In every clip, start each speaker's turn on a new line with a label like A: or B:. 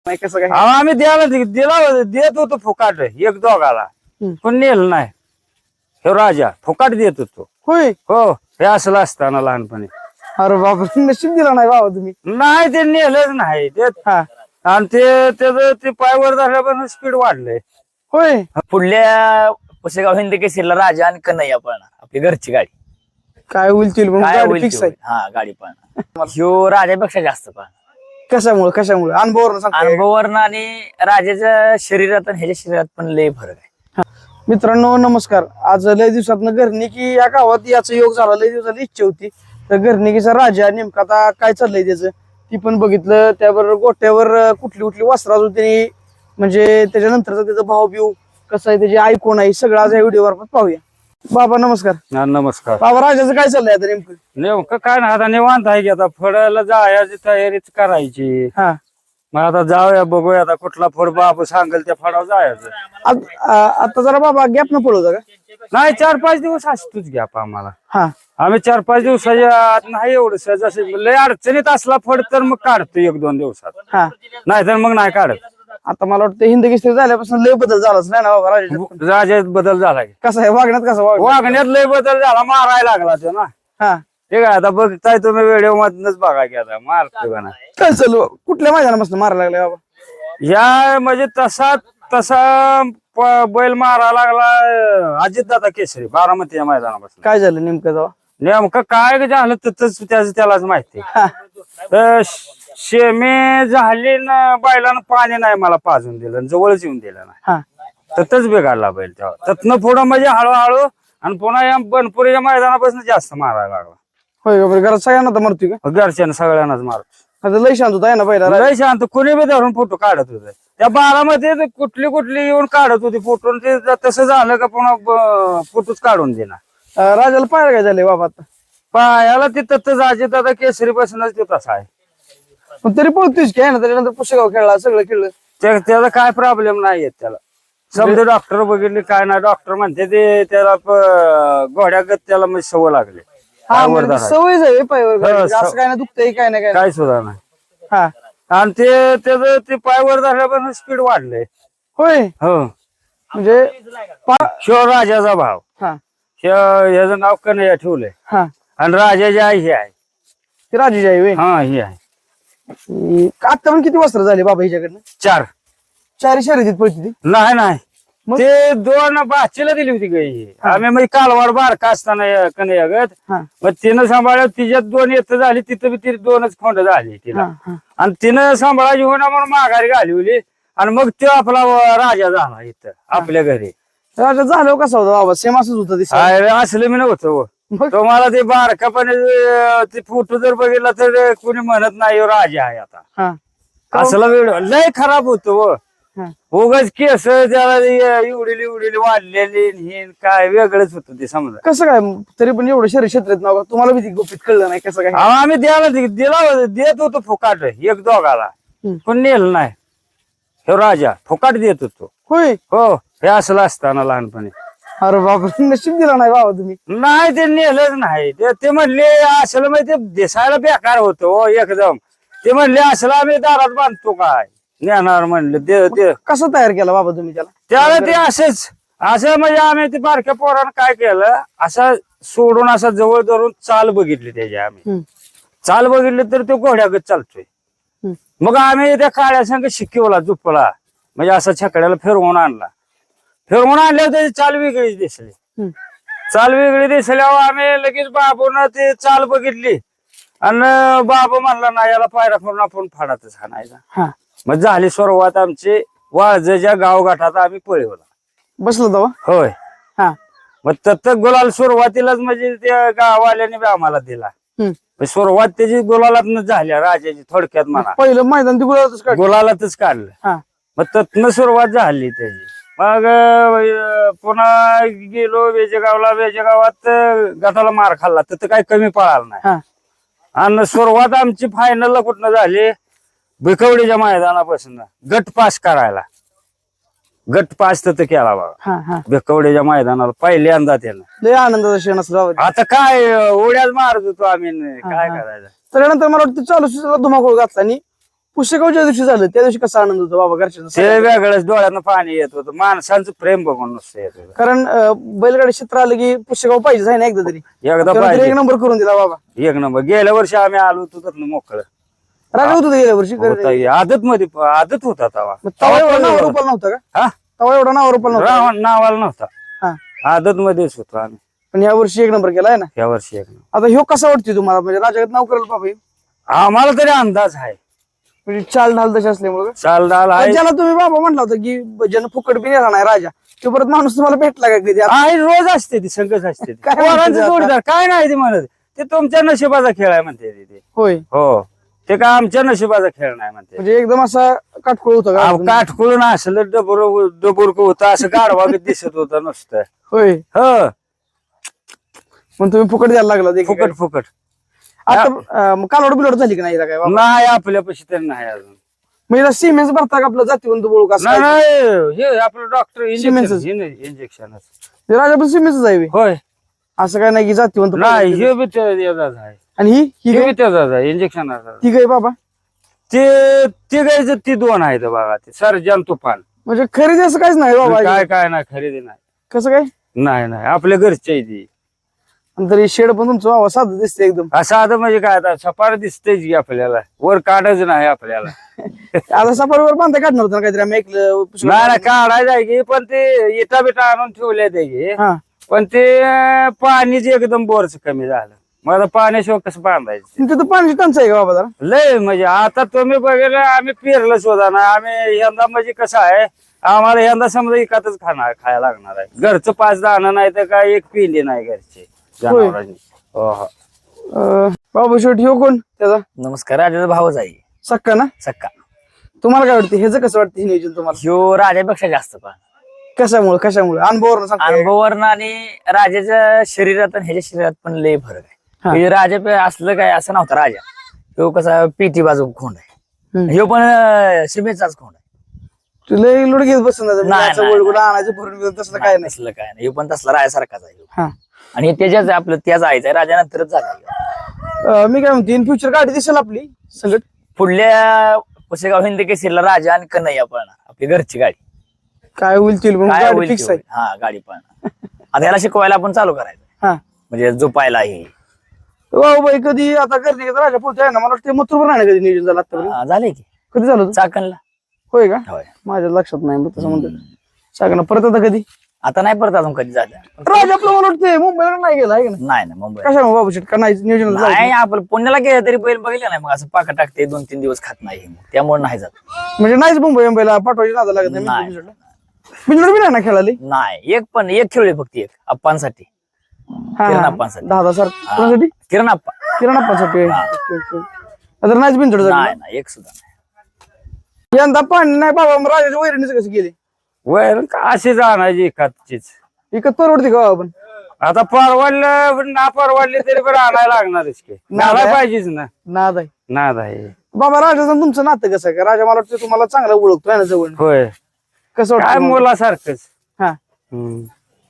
A: नाही कसं काय?
B: आम्ही दिला देत होतो फुकाट एक दोघाला, पण नेलं नाही. हे राजा फुकाट देत होतो.
A: होय.
B: हो, हे असलं असताना लहानपणी.
A: अरे बाबा, नशीब दिला नाही बाबा तुम्ही.
B: नाही ते नेलंच नाही ते.
A: हा.
B: आणि त्याचं ते पायवर झाल्यापासून स्पीड वाढलंय.
A: होय.
C: पुढल्या पुसेगाव हिंद केसरीला राजा आणि कन्हैया पळणार, आपली घरची गाडी.
A: काय होईल मग
C: काय
A: गाडी
C: होईल
A: फिक्स
C: ते
A: आहे.
C: होईल. हा, गाडी पळणार. ह्यो राजापेक्षा जास्त पळणार.
A: कशामुळे अनुभवावरून सांगता.
C: अनुभवावरनं आणि राजाच्या शरीरात आणि ह्याच्या शरीरात पण लय फरक आहे.
A: मित्रांनो नमस्कार. आज लय दिवसातनं घरनिकी या गावात याचा योग झाला. लय दिवसाची इच्छा होती. तर घरनिकीचा राजा नेमका आता काय चाललंय त्याचं ती पण बघितलं. त्याबरोबर गोट्यावर कुठली कुठली वस्त्र अजून त्यांनी म्हणजे त्याच्यानंतरचा त्याचा भाव बिव कसं आहे, त्याची आई कोण आहे, सगळं आज या व्हिडिओवर आपण पाहूया. बाबा नमस्कार.
B: नमस्कार.
A: बाबा राजाचं काय चाललंय आता नेमकं?
B: नेमकं काय नाही, आता निवांत आहे की आता फळाला जायची तयारीच करायची.
A: हा.
B: मग आता जाऊया बघूया आता कुठला फळ बाप सांगेल त्या फळावर जायचं.
A: आता जरा बाबा गॅप न पडू का?
B: नाही 4-5 दिवस असतोच गॅप आम्हाला.
A: हा.
B: आम्ही 4-5 दिवसाच्या आत नाही एवढं जसं लय अडचणीत असला फळ तर मग काढतो 1-2 दिवसात.
A: हा.
B: नाही तर मग नाही काढत.
A: आता मला वाटतं हिंद केसरी झाल्यापासून लय बदल झालाच नाही ना बाबा राजाच्यात?
B: राजात बदल झाला की.
A: कसं आहे वागण्यात, कसं
B: वागण्यात लय बदल झाला, मारायला लागला तो ना.
A: हा.
B: ठीक आहे, आता बघताय तुम्ही व्हिडिओ मधनच बघा की आता मारतो का ना.
A: काय चालू कुठल्या मैदानापासून मारायला लागले बाबा?
B: या म्हणजे तसा बैल मारा लागला अजितदादा केसरी बारामती या मैदानापासून.
A: काय झालं नेमकं तेव्हा?
B: नेमकं काय झालं तर त्यालाच माहिती.
A: हा.
B: तर शेमे झाली ना, बैलानं पाणी नाही मला पाजून दिलं, जवळच येऊन दिलं नाही.
A: हा.
B: ततच बिघडला बैल तेव्हा. ततनं पुढं म्हणजे हळूहळू आणि पुन्हा या बनपुरीच्या मैदानापासून जास्त मारायला लागला.
A: होय का बरं? घरात सगळ्यांना तर मरतोय का?
B: घरच्यानं सगळ्यांनाच मारतो.
A: आता लय शांत होता आहे ना पहिला.
B: लय शांत, कुणी बी धरून फोटो काढत होते त्या बारामध्ये. कुठली येऊन काढत होती फोटो. ते तसं झालं का पुन्हा फोटोच काढून देणार.
A: राजाला पाहायला काय झालंय बाबा आता?
B: पायाला ते तत्तच अजितदादा केसरी पासूनच ते तसा आहे.
A: पण तरी पळतोयच की आहे ना? त्याच्यानंतर पुसेगाव खेळला, सगळं खेळलं.
B: त्याचा काय प्रॉब्लेम नाही येत त्याला. समजा डॉक्टर बघितले काय नाही, डॉक्टर म्हणते ते त्याला घोड्यागत त्याला म्हणजे सवय लागली.
A: हा म्हणजे सवयच आहे पायवर घालायची. असं काय ना दुखतंय काय नाही काय
B: काय सुद्धा नाही.
A: हा.
B: आणि त्याचं ते पायवर झाल्यापासून स्पीड वाढलंय.
A: होय.
B: हो.
A: म्हणजे
B: शिव राजाचा भाव.
A: हा.
B: ह्याचं नाव कन्हैया ठेवलंय.
A: हा.
B: आणि राजाची आई ही आहे.
A: ती राजाची आई होय.
B: हा, ही आहे.
A: आता पण किती वस्त्र झाले बाबा हिच्याकडनं?
B: 4.
A: 4 शर्यतीत पळती ती.
B: नाही ते 2 बाचीला दिली होती गाई. आम्ही मग कालवाड बारका असताना कन्हैया गत.
A: हा.
B: मग तिनं सांभाळलं, तिच्यात 2 येत झाली, तिथं ती 2च खोंड झाली तिला.
A: हा.
B: आणि तिनं सांभाळायची होणार म्हणून माघारी घालवली. आणि मग तो आपला राजा झाला इथं आपल्या घरी.
A: राजा झालं कसं होतं बाबा? सेम असंच होतं दिसत.
B: अरे असलं मी नव्हतं.
A: मग?
B: तुम्हाला ते बारकापणे ते फोटो जर बघितला तर कोणी म्हणत नाही ह्यो राजा आहे आता.
A: हा.
B: असला व्हिडिओ लय खराब होतो.
A: हा.
B: उगाच केस त्याला एवढी वाढलेली हे काय वेगळंच होतं ते समजा.
A: कसं काय तरी पण एवढं शरीर क्षेत्रात नाव तुम्हाला बी गुपित कळलं नाही कसं काय?
B: आम्ही दिला देत होतो फुकाट एक दोघाला, पण नेलं नाही. हे राजा फुकाट देत होतो.
A: होय.
B: हो, हे असलं असताना लहानपणी.
A: अरे बाबा, नशीब दिला नाही बाबा तुम्ही.
B: नाही ते नेलंच नाही. ते म्हणले असलं म्हणजे ते दिसायला बेकार होतो एकदम. ते म्हणले असलं आम्ही दारात बांधतो काय नेणार म्हणलं.
A: कसं तयार केला बाबा तुम्ही
B: त्याला ते असं म्हणजे आम्ही ते बारक्या पोरानं काय केलं, असं सोडून असं जवळ धरून चाल बघितली त्याची. आम्ही चाल बघितली तर तो घोड्यागत चालतोय. मग आम्ही त्या काळ्या संघ शिकवला झुपला, म्हणजे असं छकड्याला फिरवून आणल्यावर त्याची चाल वेगळीच दिसली. चाल वेगळी दिसल्यावर आम्ही लगेच बाबून ते चाल बघितली. आणि बाबू म्हणला ना याला पायरा करून आपण फाडातच हाणायचा. मग झाली सुरुवात आमची वाळजेच्या गावगाठात आम्ही पळवला.
A: बसलो तेव्हा.
B: होय.
A: हा.
B: मग तत्त गुलाल सुरुवातीलाच म्हणजे त्या गाववाल्याने बी आम्हाला दिला. सुरुवात त्याची गुलालातच झाल्या राजाची थोडक्यात म्हणा.
A: पहिलं मैदान ती
B: गुलालातच काढलं. मग तत्न सुरुवात झाली त्याची. मग पुन्हा गेलो वेजेगावात गटाला मार खाल्ला तर काही कमी पळाला नाही. आणि सुरुवात आमची फायनलला कुठनं झाली, भिकवडीच्या मैदानापासून गट पास करायला. गट पास तर केला बाबा भिकवडीच्या मैदानाला पहिल्यांदा त्यानं.
A: लय आनंदाचा क्षण असला.
B: आता काय उड्याच मारत होतो आम्ही, काय करायचं.
A: त्यानंतर मला वाटतं चालू सुद्धा धुमाकूळ घातला आणि पुस्तकाव ज्या दिवशी झालं त्या दिवशी कसा आनंद होता बाबा घरच्यांचा?
B: ते वेगळंच डोळ्यानं पाणी येत होतं, माणसांचं प्रेम बघून नुसतं येत होतं.
A: कारण बैलगाडी क्षेत्र आलं की पुस्तकाव पाहिजे आहे ना एकदा तरी.
B: एकदा
A: तेव्हा तरी
B: पाहिजे
A: एक नंबर करून दिला बाबा.
B: एक नंबर. गेल्या वर्षी आम्ही आलो होतो त्यातनं मोकळं
A: राजा होतो गेल्या वर्षी.
B: आदत मध्ये आदत होता तवा.
A: तवा एवढा नावावर रुपाला नव्हता का?
B: हा
A: तवा एवढा नावावर रुपाला नव्हता.
B: नावाला नव्हता,
A: हा.
B: आदत मध्येच होतो आम्ही.
A: पण या वर्षी एक नंबर केलाय ना.
B: या वर्षी एक नंबर.
A: आता ह्यो कसा वाटतोय तुम्हाला? म्हणजे राजागत नाव करेल बाबा ह्यो?
B: आम्हाला तरी अंदाज आहे.
A: म्हणजे चाल ढाल तशी असल्यामुळे
B: चाल डाल आहे.
A: ज्याला तुम्ही बाबा म्हटला होता की ज्यानं फुकट बी नेला नाही राजा, तो परत माणूस तुम्हाला भेटला का कधी?
B: आहे, रोज असते ती, संघच असते ती.
A: काय म्हणते
B: पोरांचं
A: ते आता?
B: जोडीदार काय नाही ते म्हणत, ते तुमच्या नशिबाचा खेळ आहे म्हणते ते.
A: होय.
B: हो, ते काय आमच्या नशिबाचा खेळ नाही म्हणते.
A: म्हणजे एकदम असा काटकोळ होता का?
B: काठकुळून असलं डबुरक होतं, असं गाडवागत दिसत होतं नुसतं.
A: होय.
B: हो,
A: मग तुम्ही फुकट द्यायला लागला ते
B: फुकट फुकट.
A: आता मग कालवड बिलवड झाली की नाही हिला काय बाबा?
B: नाही आपल्यापाशी तरी नाही अजून.
A: मग हिला सिमेंट भरता का आपलं जातीवंत बोलू का?
B: नाही नाही, हे आपलं डॉक्टर
A: सिमेंटच.
B: इंजेक्शन.
A: राजा पण सिमेंटच आहे बे.
B: होय,
A: असं काय नाही की जातीवंत
B: नाही हे बी त्याचाच आहे.
A: आणि ही
B: हे
A: काय?
B: बी त्याचाच आहे, इंजेक्शन.
A: ती काय बाबा?
B: ते तिघायचं ती दोन आहेत बघा, ते सर्जन तुफान.
A: म्हणजे खरेदी असं काहीच नाही बाबा?
B: काय काय नाही, खरेदी नाही.
A: कसं काय?
B: नाही नाही, आपल्या घरची आहे ती.
A: आणि तरी शेड पण तुमचं बाबा साधं दिसते एकदम.
B: असं आता म्हणजे काय, आता सपार दिसतेच की आपल्याला, वर काढच नाही आपल्याला.
A: आता सफारीवर बांधा काढणार होता ना काहीतरी, आम्ही ऐकलं.
B: नाही नाही, काढायचं आहे की, पण ते इटा बिटा आणून ठेवले ते की.
A: हा.
B: पण ते पाणीच एकदम बोरच कमी झालं. मला पाण्याशिवाय कसं बांधायचं?
A: तिथं पाण्याची टंचाई आहे का बाबा जरा?
B: लय म्हणजे आता तुम्ही बघितलं, आम्ही पेरलं सुद्धा ना. आम्ही यंदा म्हणजे कसं आहे, आम्हाला यंदा समजा एकातच खायला लागणार आहे. घरचं 5 दाणं नाही तर काय एक पिंडी नाही घरची जनावरांनी. हो हो.
A: बाबा शेवटी ह्यो कोण त्याचा?
C: नमस्कार. राजाचा भावच आहे
A: सक्का ना?
C: सक्का.
A: तुम्हाला काय वाटतं ह्याचं कसं वाटतं हे नियोजन तुम्हाला?
C: ह्यो राजापेक्षा जास्त पण
A: कशामुळे अनुभवावर सांगतो?
C: अनुभवावरनं आणि राजाच्या शरीरात आणि ह्याच्या शरीरात पण लय फरक आहे.
A: हा.
C: म्हणजे राजा असलं काय असं नव्हता राजा. ह्यो कसा पीटी बाजू खोंड आहे. ह्यो पण सिमेंटचाच खोंड आहे.
A: लय लोड घेत बसून
C: नाही.
A: आणायचं भरून घेऊन तसलं काय नाही.
C: तसलं काय नाही. ह्यो पण तसला राजासारखाच आहे ह्यो.
A: हा.
C: आणि त्याच्याच आपलं त्याच आईच आहे, राजानंतरच झाला.
A: मी काय म्हणते इन फ्युचर गाडी दिसेल आपली संगत?
C: पुढल्या पुसेगाव हिंद केसरीला राजा आणि कन्हैया पळणार, आपली घरची गाडी.
A: काय होईल ते
C: काय
A: गाडी
C: होईल
A: फिक्स
C: ते
A: आहे.
C: होईल. हा, गाडी पळणार. आता याला शिकवायला आपण चालू करायचं,
A: हा.
C: म्हणजे झोपायला हे.
A: बाई कधी आता गर्दी राजा पुढच्या आहे ना, मला वाटतं मथुरभर नाही ना कधी नियोजन झालं आतापर्यंत.
C: झाले की
A: कधी झालं होतं?
C: चाकणला.
A: होय का?
C: होय.
A: माझ्या लक्षात नाही तसं म्हणतो. सांगा परत आता कधी
C: आता नाही परत अजून कधी झालं.
A: राजा आपलं मला वाटतं मुंबईला नाही गेला आहे का नाही?
C: नाही ना मुंबई.
A: कशा बाबू शेट का नाही नियोजन झालं?
C: नाही, आपण पुण्याला गेलं तरी बैल बघितलं नाही, मग असं पाका टाकते 2-3 दिवस खात नाही, त्यामुळे नाही जात.
A: म्हणजे नाहीच मुंबईला पाठवायची नादा लागत नाही.
C: नाही.
A: बिंजोड बी नाही ना खेळाली?
C: नाही, एक खेळले फक्त, एक अप्पांसाठी. किरण अप्पांसाठी.
A: 10,000 कोणासाठी?
C: किरण अप्पा.
A: किरण अप्पांसाठी. Okay, okay. आता नाहीच बिंजोड
C: नाही
A: झाली.
C: ना, एक सुद्धा नाही.
A: यंदा पाणी नाही बाबा, मग राजाच्या वैरणीचं कसं गेले?
B: वैर अशीच आणायची एखादचीच.
A: विकत परवडते का आपण?
B: आता परवडलं ना परवडले तरी पण आणायला लागणारच की. नाला पाहिजेच ना.
A: नाद आहे
B: नाद आहे.
A: बाबा. राजाचं तुमचं नातं कसं आहे का? राजा मला वाटतं तुम्हाला चांगलं ओळखतोय ना जवळ.
B: होय,
A: कसं
B: काय
A: वाटतं?
B: मुलासारखंच.
A: हा.
B: हम्म.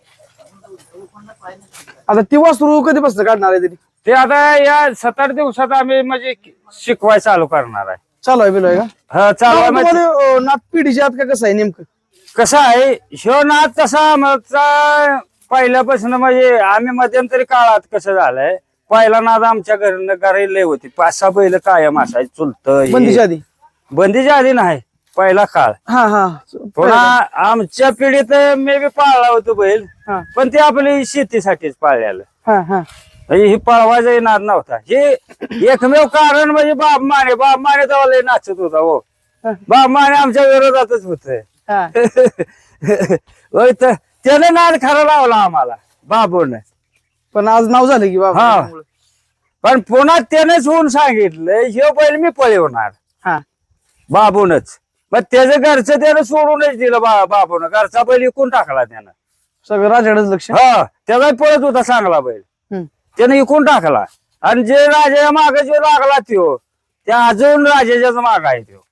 A: आता ती वासरू कधीपासून काढणार आहे तरी?
B: ते आता या 7-8 दिवसात आम्ही म्हणजे शिकवाय चालू करणार आहे.
A: चालू आहे बिलोय का?
B: हा, चालू आहे म्हणजे
A: तुम्हाला नात पिढीच्या आत का कसं आहे नेमकं?
B: कसं आहे, ह्यो नाद तसा आमचा पहिल्यापासून, म्हणजे आम्ही मध्यंतरी काळात कसं झालंय, पहिला नाद आमच्या घरी लय होती. 5-6 बैल कायम असायची, चुलत
A: बंदीच्या आधी?
B: बंदीच्या आधी नाही, पहिला काळ.
A: हा हा.
B: पुन्हा आमच्या पिढीत मी बी पाळला होतो बैल,
A: हा
B: पण ते आपली शेतीसाठीच पाळलेलं.
A: हा हा.
B: म्हणजे ही पळवायचा नाद नव्हता. हे एकमेव कारण म्हणजे बाप माने तेव्हा लय नाचत होता. हो, बाप माने आमच्या विरोधातच होत.
A: हा.
B: होय, तर त्याने नाद खरा लावला आम्हाला बाबूने.
A: पण आज नाव झालं की बाबा.
B: हा. पण पुन्हा त्यानेच होऊन सांगितलं, हे बैल मी पळवणार.
A: हा.
B: बाबूनच. मग त्याचं घरचं त्यानं सोडूनच दिलं बाबून. घरचा बैल विकून टाकला त्यानं.
A: सगळं राजाकडेच लक्ष.
B: हा, त्याचा पळत होता चांगला बैल, त्यानं विकून टाकला. आणि जे राजाच्या माग जो लागला त्यो, त्या अजून राजाच्याच माग आहे त्यो.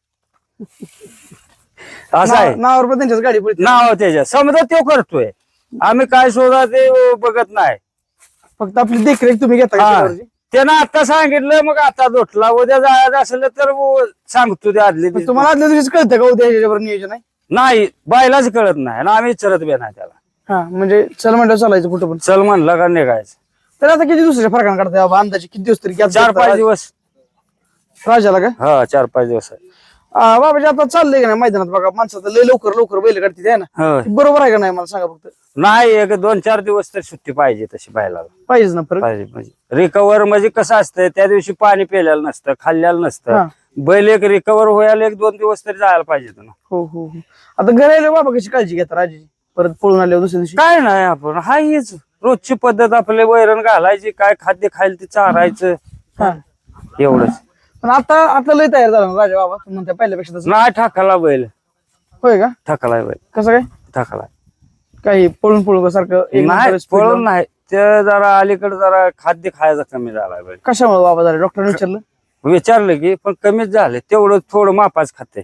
B: असं आहे.
A: नावावर पण त्यांच्याच गाडी पडते.
B: नाव त्याच्या समजा तो करतोय, आम्ही काय शोधा ते बघत नाही.
A: फक्त आपली देखरेख तुम्ही घेता का
B: हा.
A: त्याच्यावरची?
B: त्यानं आता सांगितलं मग आता दोटला उद्या जायचं असलं तर सांगतो ते आदले दिवशी.
A: तुम्हाला आदल्या दिवशीच कळतं का उद्या ह्याच्यावर नियोजन आहे?
B: नाही बायलाच कळत नाही ना आम्ही विचारत बी नाही त्याला.
A: हा म्हणजे चल म्हणलं चालायचं कुठं पण.
B: चल म्हणलं का निघायचं.
A: तर आता किती दुसऱ्या फरकानं काढताय बाबा अंदाजे किती दिवस तरी gap
B: 4-5
A: देता
B: दिवस.
A: राजाला का?
B: हा 4-5 दिवस आहे.
A: बाबाजी आता चाललंय का नाही मैदानात बघा माणसाचं लय लवकर बैल काढते आहे ना,
B: होय.
A: बरोबर आहे का नाही मला सांगा फक्त.
B: नाही एक 2-4 दिवस तर सुट्टी पाहिजे तशी बायला
A: पाहिजेच ना फरक.
B: पाहिजे म्हणजे रिकवर म्हणजे कसं असतं त्या दिवशी पाणी पिलेलं नसतं खाल्लेलं
A: हा.
B: नसतं. बैल एक रिकवर व्हायला 1-2 दिवस तरी जायला पाहिजे ना.
A: हो हो हो. आता घरी आले बाबा कशी काळजी घेतात राजाची परत पळून आल्यावर दुसऱ्या दिवशी?
B: काय नाही आपण हा हीच रोजची पद्धत आपले वैरण घालायची काय खाद्य खायला ते चारायचं
A: हा.
B: एवढंच.
A: पण आता लय तयार झाला ना राजा बाबा तुम्ही म्हणता पहिल्यापेक्षा तसं.
B: नाही ठाकाला बैल
A: होय का?
B: ठाकाला बैल
A: कसं काय
B: ठाकाला
A: काही पळून सारखं एक
B: नाही
A: नंबर speed
B: पळून
A: लावून?
B: नाही ते जरा अलीकडे जरा खाद्य खायचा कमी झाला बैल.
A: कशामुळे बाबा झालं डॉक्टरने विचारलं?
B: विचारलं की पण कमीच झाले तेवढं थोडं मापाच खाते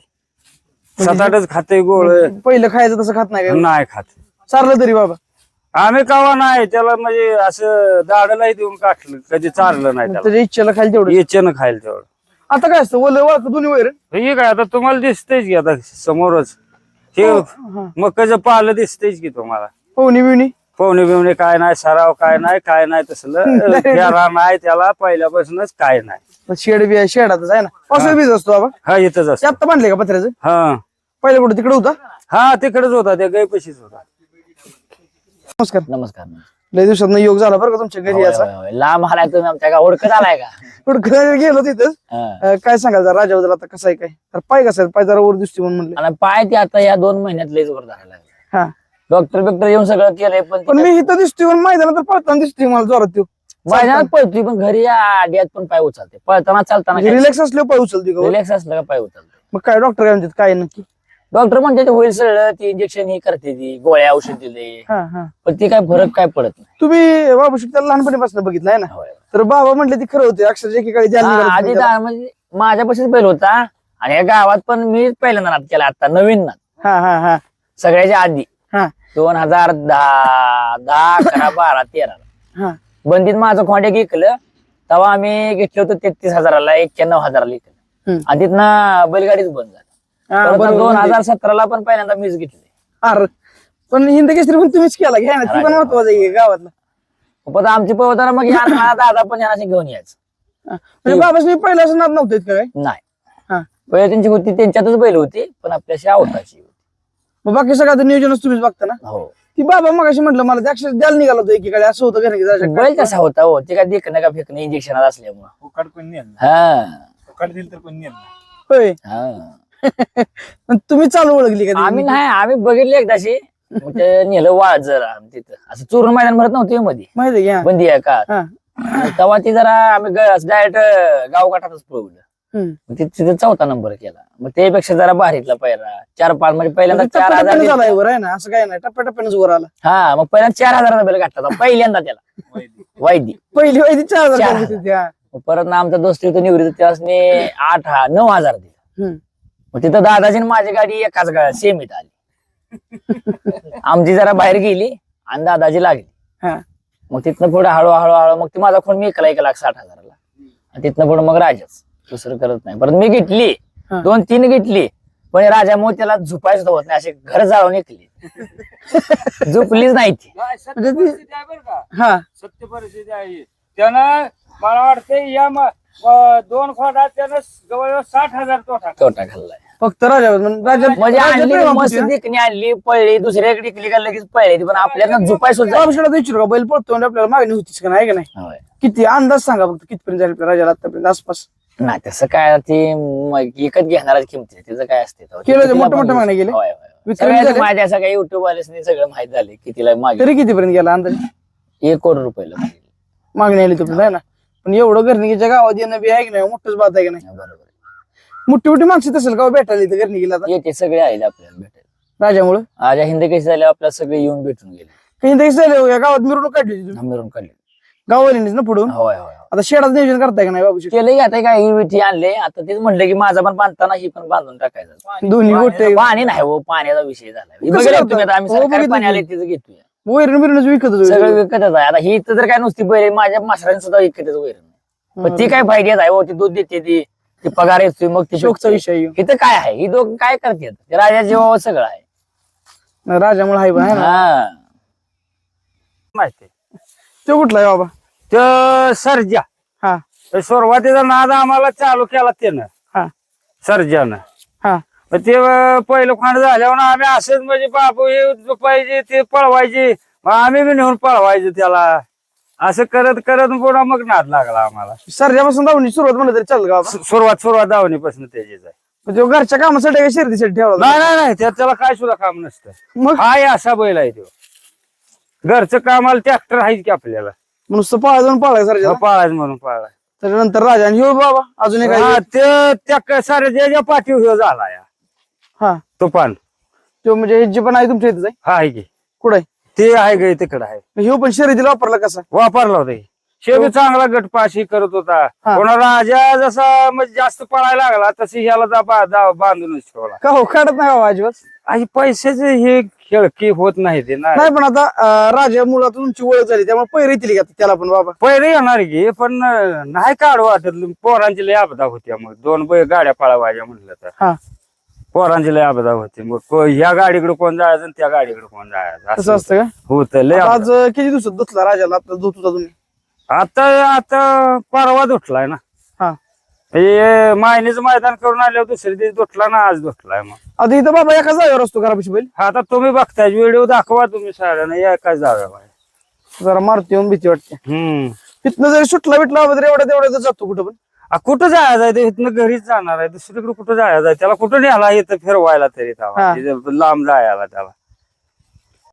B: 7-8च खाते गोळ
A: पहिलं खायचं तसं खात नाही काय?
B: नाही खात.
A: चारलं तरी बाबा
B: आम्ही कवा नाही त्याला म्हणजे असं दाडलाही देऊन काढलं कधी चारलं नाही त्याला.
A: त्याच्या इच्छेला खायला तेवढं.
B: इच्छेनं खायला तेवढं.
A: आता काय असतं ओलं वळख दोन्ही वैर?
B: हे काय आता तुम्हाला दिसतेच की आता समोरच हे मकाचं पालं दिसतेच की तुम्हाला.
A: पवनी बिवणी
B: पोहणे बिवणे काय नाही सराव काय नाही तसलं फेरा नाही त्याला पहिल्यापासूनच काय नाही.
A: शेड बी आहे शेडातच आहे ना, पावसाळी बीज असतो बाबा.
B: हा इथंच
A: ते
B: असत.
A: आत्ता बांधले का पत्र्याचं?
B: हा
A: पहिलं कुठं तिकडे होता?
B: हा तिकडेच होता त्या गायपाशीच होता.
A: नमस्कार.
C: नमस्कार.
A: लय दिवसात योग झाला बरं का तुमच्या घरी याचा.
C: होय, होय. लांब आलाय तुम्ही आमच्या का ओळखत आलाय का?
A: कुठं गेलो तिथं
C: हा.
A: काय सांगाल जरा राजाबद्दल आता कसं आहे काय? तर पाय कसं आहे? पाय जरा वर दिसते म्हणून म्हणलं.
C: आणि पाय ते आता या 2 महिन्यात लय जोर धरायला लागले.
A: हा
C: डॉक्टर बिक्टर येऊन सगळं केलंय पण
A: पण मी इथं दिसतोय पण मैदानात तर पळताना दिसतोय मला जोरात त्यो.
C: मैदानात पळतोय पण घरी या आड्यात पण पाय उचलते पळताना चालताना
A: रिलॅक्स असल्यावर पाय उचलते का?
C: रिलॅक्स असलं का पाय उचलते.
A: मग काय डॉक्टर काय म्हणतात काय नक्की?
C: डॉक्टर म्हणते ते होईल सगळं ती इंजेक्शन ही करते ती गोळ्या औषध दिले
A: हा हा.
C: पण ती काय फरक काय पडत नाही.
A: तुम्ही बाबा त्याला लहानपणीपासून बघितलं आहे ना,
C: होय.
A: तर बाबा म्हटले ती खरं होते अक्षरशः एकेकाळी ध्यान
C: हा,
A: निघालं
C: आधी
A: होतं त्याला.
C: म्हणजे माझ्यापाशीच बैल होता आणि या गावात पण मी पहिल्यांदा नाद केला आता नवीन नाद
A: हा हा हा
C: सगळ्याच्या आधी
A: हा
C: 2010, 11, 12, 13
A: हा.
C: बंदीत माझं खोंडे घेतलं तेव्हा आम्ही घेतलं होतं 33,000ला 91,000ला घेतलं
A: हम्म.
C: आणि तिथनं बैलगाडीच बंद झाली.
A: हा,
C: परत
A: बरोबर.
C: 2017ला पण पहिल्यांदा मीच घेतली.
A: अरे पण हिंद केसरी पण तुम्हीच केला घ्या ना, ती पण महत्वाचं आहे गावातला.
C: पण आमची पवताना मग यांना दादा पण यांना घेऊन यायचं.
A: म्हणजे बाबाच पहिला असं नाद नव्हते का काय?
C: नाही
A: हा.
C: पहिले त्यांची होती त्यांच्यातच बैल होती पण आपल्याशी आवताची होती.
A: मग बाकी सगळं नियोजनच तुम्हीच बघता ना.
C: हो
A: ती बाबा मग अशी म्हटलं मला ते अक्षर द्यायला निघाला होतं एकीकडे असं होतं का
C: बैल कसा होता हो ते काय देखणं का फेकणं इंजेक्शन असल्यामुळं
B: उकाड कोणी नेलं
C: हा
B: उकाड दिलं तर कोणी नेलं.
A: होय.
C: हा.
A: पण तुम्ही चालू ओळखली का
C: आम्ही नाही आम्ही बघितले एकदाशी मग ते नेलं वाळ जरा तिथं असं चूर्ण मैदान भरत नव्हतं मध्ये
A: माहिती आहे का?
C: बंदी आहे का
A: हा.
C: तेव्हा ती जरा आम्ही डायरेक्ट गावगाठातच पळवलं
A: हम्म.
C: मग तिथे 4था नंबर केला मग त्यापेक्षा जरा भारीतला पहिला 4-5 म्हणजे पहिल्यांदा
A: टप्प्याटप्प्यानं
C: 4,000
A: झालाय वर आहे ना, असं काय नाही टप्प्याटप्प्यानंच वर आला.
C: हा मग पहिल्यांदा 4,000चा बैल घातला होता पहिल्यांदा त्याला वायदी
A: पहिली वैदी 4,000
C: 4,000.
A: घेतली होती, हा.
C: मग परत ना आमचा दोस्त होता निवृत्त त्याने 9,000 दिला
A: हम्म.
C: मग तिथं दादाची आणि माझी गाडी एकाच सेमीत आली आमची जरा बाहेर गेली आणि दादाची लागली.
A: हा.
C: मग तिथनं पुढे हळूहळू मग ती माझा फोन मी ऐकला 1,60,000ला आणि तिथनं पुढे मग राजाच दुसरं करत नाही. परत मी घेतली
A: हा.
C: 2-3 घेतली पण राजामुळे त्याला झुपायचं होत नाही असे घर जाळून ऐकली झुपलीच नाही ती.
A: म्हणजे ती- हा
B: सत्य परिस्थिती आहे त्यानं मला वाटतं या 2 खोडात त्यानं जवळजवळ 60,000 तोटा.
C: तोटा खाल्लाय
A: फक्त राजा
C: म्हणजे
A: राजा
C: आणली
A: प्रेमापोटी,
C: मस्त
A: हा.
C: देखणी आणली पळली दुसऱ्याकडे इकली का लगेच पळली पण आपल्याला झुपाय सुद्धा
A: बाबाशाला विचारू का बैल पळतो म्हणजे आपल्याला मागणी होतीच का नाही का नाही?
C: होय.
A: किती अंदाज सांगा फक्त कितपर्यंत जाईल आपल्या राजाला आतापर्यंत आसपास?
C: नाही तसं काय ते विकत घेणारच किमती त्याचं काय असते तेव्हा.
A: केलं ते
C: कितीला
A: मोठं-मोठं
C: पण
A: मागण्या केले?
C: होय, होय.
A: विक्रमी
C: सगळ्यात
A: झाले?
C: माहिती असं काही युट्यूब वाल्यासनी सगळं माहित झाले कितीला मागे
A: तरी कितीपर्यंत गेला अंदाज?
C: 1 कोटी रुपयाला मागे.
A: मागणी आली तोपर्यंत आहे ना. पण एवढं घरणीच्या गावात येणं बी आहे की नाही मोठंच बात आहे की नाही?
C: बरोबर
A: मोठी मोठी माणसं असेल का भेटायला इथं घरणी गेला आता
C: येते सगळे आले आपल्याला भेटायला
A: राजामुळं?
C: आज हिंद कशी झाले आपल्याला सगळे येऊन भेटून गेले
A: काही तरी झालं या गावात मिरवणूक काढली होती तुम्ही
C: मिळून काढले.
A: गाववाल्यांनीच ना पुढून.
C: होय होय
A: आता शेडाचं नियोजन करताय का नाही बाबूशी?
C: केलं आता काय विठी आणले आता तेच म्हणलं की माझा पण बांधताना ही पण बांधून टाकायचं.
A: दोन्ही गोष्टी
C: पाणी नाही हो पाण्याचा विषय झाला
A: कसं
C: बघितलं
A: करतात?
C: तुम्ही आता आम्ही
A: हो,
C: सरकारी
A: बघितलं
C: पाणी
A: की.
C: आले तिथं घेतोय
A: वैरण बिरणच विकत होतो.
C: सगळं विकतच आहे आता ही तर काय नुसती बैल माझ्या मासरांनी सुद्धा विकतच वैरण पण ती काय फायद्यात आहे हो, ती दूध देते ती पगार येतोय मग ती
A: शोकचा विषय येऊ.
C: इथं काय आहे ही दोघं काय करतात ते राजा जीवावर सगळं आहे
A: राजामुळे हाय बा, है ना?
C: हा
B: माहिती
A: तो कुठला आहे बाबा?
B: तर सर्जा
A: हा
B: सुरुवातीचा नाद आम्हाला चालू केला त्यानं
A: हा
B: सर्जानं.
A: हा
B: मग ते पहिलं खांड झाल्यावर आम्ही असंच म्हणजे बाबू हे पाहिजे ते पळवायचे मग आम्ही बी नेऊन पळवायचो त्याला असं करत करत पुन्हा मग नाद लागला आम्हाला.
A: सर्जापासून धावणी सुरुवात म्हणलं तरी चालेल का बाबा?
B: सुरुवात दावणीपासून त्याचीच आहे.
A: मग तो घरच्या कामासाठी का शर्यतीसाठी ठेवला
B: नाही नाही नाही त्याला काय सुद्धा काम नसतं.
A: मग
B: हाय असा बैल आहे तो. घरचं कामाला ट्रॅक्टर आहेच की आपल्याला
A: नुसतं पाळा जाऊन पाळाय सर्जा.
B: पाळायचं म्हणून पाळाय.
A: त्याच्यानंतर राजा आणि ह्यो बाबा अजून एक
B: हा,
A: आहे.
B: ते त्या साऱ्या पाठीव ह्यो झाला या
A: हा
B: तुफान.
A: तो म्हणजे हे जे पण आहे तुमच्या इथं
B: हा आहे की
A: कुठं आहे?
B: ते आहे गे तिकडं आहे.
A: ह्यो पण शर्यतीला वापरला कसा?
B: वापरला होता शेवटी चांगला गटपाशी करत होता.
A: हा.
B: कोणा राजा जसा म्हणजे जास्त पळायला लागला तशी ह्याला बांधूनच ठेवला.
A: का हो काढत नाही बाबा अजिबात?
B: आणि पैशाचे हे खेळकी होत नाही ते ना.
A: नाही पण आता राजा मुळात तुमची ओळख झाली त्यामुळे पैर येतील का त्याला पण बाबा?
B: पहिले येणार की पण नाही काढ वाटत पोरांची लय आपदा होती. मग दोन गाड्या पळवायच्या म्हटलं तर
A: हा
B: पोरांची लय आपदा होती. मग ह्या गाडीकडे कोण जायचं आणि त्या गाडीकडे कोण जायचं
A: तसं
B: असं
A: असतं का?
B: होत लय
A: आता
B: आपदा.
A: आज किती दिवसात धुतला राजाला? आता धुत होता तुम्ही?
B: आता परवा धुतलाय ना.
A: हा
B: हे मायनीचं मैदान करून आल्यावर दुसऱ्या दिवशी धुतला ना आज धुतलाय. मग
A: आता इथं बाबा एका जागेवर असतो घरापाशी बैल?
B: आता तुम्ही बघताय व्हिडिओ दाखवा तुम्ही साऱ्यांना या काय जाव्या बाहेर.
A: जरा मारती येऊन भीती वाटते.
B: हम्म
A: तिथनं जरी सुटला बिटला बाबा तरी एवढ्या तेवढ्या जातो कुठं पण?
B: कुठं जायचं आहे ते इथनं घरीच जाणार आहे दुसरीकडे कुठं जायचं आहे त्याला कुठं न्यायला येतं फिरवायला तरी
A: हा.
B: तेव्हा. लांब जायला त्याला